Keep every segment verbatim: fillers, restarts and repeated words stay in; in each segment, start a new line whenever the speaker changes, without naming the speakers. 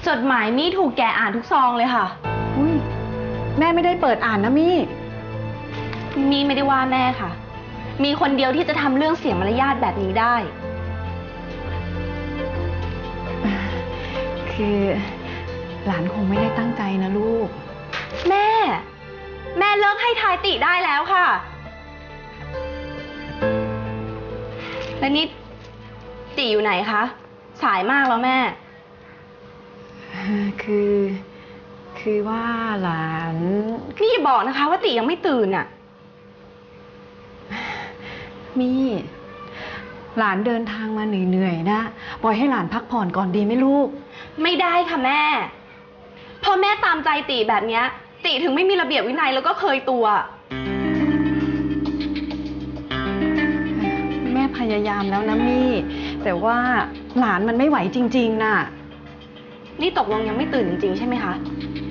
จดหมายมี่ถูกแกอ่านทุกซองเลยค่ะ
อุ้ยแม่ไม่ได้เปิดอ่านนะมี่
มี่ไม่ได้ว่าแม่ค่ะมีคนเดียวที่จะทำเรื่องเสียมารยาทแบบนี้ได้
คือหลานคงไม่ได้ตั้งใจนะลูก
แม่แม่เลิกให้ทายติได้แล้วค่ะแล้วนี่ติอยู่ไหนคะสายมากแล้วแม่
คือคือว่าหลาน
นี่อย่าบอกนะคะว่าติยังไม่ตื่นอ่ะ
มี่หลานเดินทางมาเหนื่อยๆนะปล่อยให้หลานพักผ่อนก่อนดีไหมลูก
ไม่ได้ค่ะแม่พอแม่ตามใจติแบบนี้ติถึงไม่มีระเบียบวินัยแล้วก็เคยตัว
แม่พยายามแล้วนะมี่แต่ว่าหลานมันไม่ไหวจริงๆน่ะ
นี่ตกลงยังไม่ตื่นจริงๆใช่ไหมคะ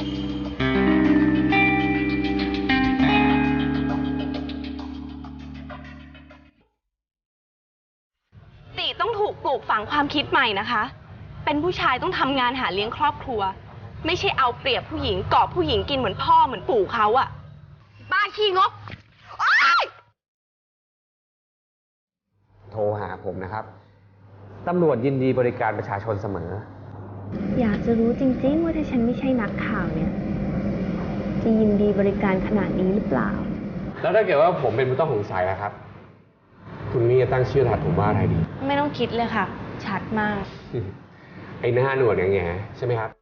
ติต้องถูกปลูกฝังความคิดใหม่นะคะเป็นผู้ชายต้องทำงานหาเลี้ยงครอบครัวไม่ใช่เอาเปรียบผู้หญิงเกาะผู้หญิงกินเหมือนพ่อเหมือนปู่เขาอะบ้าขี้งก
โทรหาผมนะครับตำรวจยินดีบริการประชาชนเสมอ
อยากจะรู้จริงๆว่าถ้าฉันไม่ใช่นักข่าวเนี่ยจะยินดีบริการขนาดนี้หรือเปล่า
แล้วถ้าเกิดว่าผมเป็นผู้ต้องสงสัยนะครับคุณนี่จะตั้งชื่อถัดผมว่าอะไรดี
ไม่ต้องคิดเลยค่ะชัดมาก
ไอ้หน้าหนวดอย่างเงี้ยใช่ไหมครับ